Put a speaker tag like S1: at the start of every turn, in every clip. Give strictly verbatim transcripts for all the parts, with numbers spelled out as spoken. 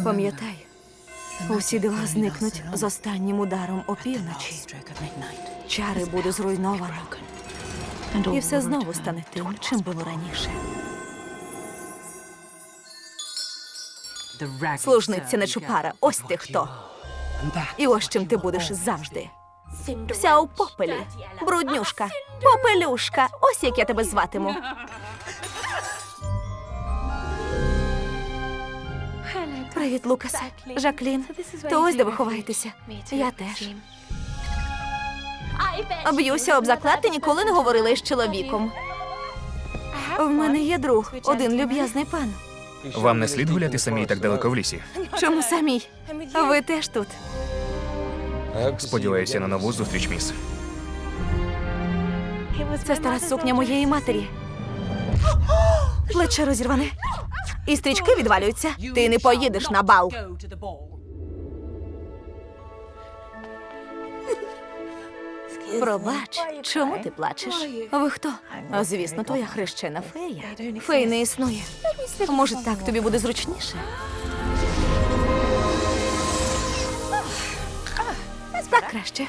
S1: Пам'ятай, усі дива зникнуть з останнім ударом опівночі. Чари буде зруйновано. І все знову стане тим, чим було раніше. Служниця Нечупара, ось ти хто. І ось чим ти будеш завжди. Вся у попелі. Бруднюшка, попелюшка. Ось як я тебе зватиму. Привіт, Лукасе. Жаклін. То ось де ви ховаєтеся. Я теж. Б'юся об заклад, ти ніколи не говорила із чоловіком. В мене є друг, один люб'язний пан.
S2: Вам не слід гуляти самій так далеко в лісі.
S1: Чому самій? Ви теж тут.
S2: Сподіваюся на нову зустріч, міс.
S1: Це стара сукня моєї матері. Плече розірване. І стрічки відвалюються. Ти не поїдеш на бал. Пробач, чому ти плачеш? Ви хто? А, звісно, твоя хрещена фея. Фей не існує. Може, так тобі буде зручніше? Так краще.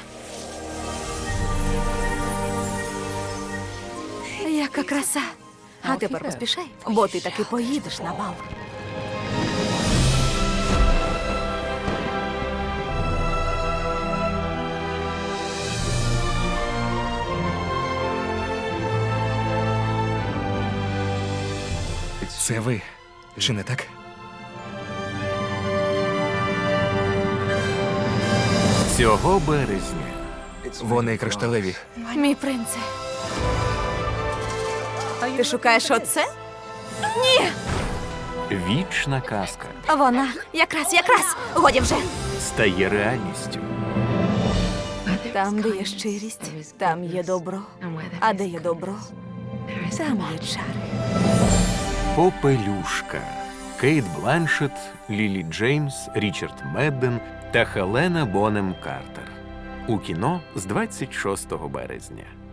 S1: Яка краса. А тепер поспішай, бо ти таки поїдеш на бал.
S2: Це ви, чи не так?
S3: Цього березня
S2: Вони кришталеві.
S1: Мій принце. Ти шукаєш оце? Ні!
S3: вічна казка
S1: Вона. Якраз, якраз. Годі вже.
S3: стає реальністю.
S1: Там, де є щирість, там є добро. А де є добро, там є чари.
S3: Попелюшка. Кейт Бланшетт, Лілі Джеймс, Річард Медден та Хелена Бонем Картер. У кіно з двадцять шостого березня.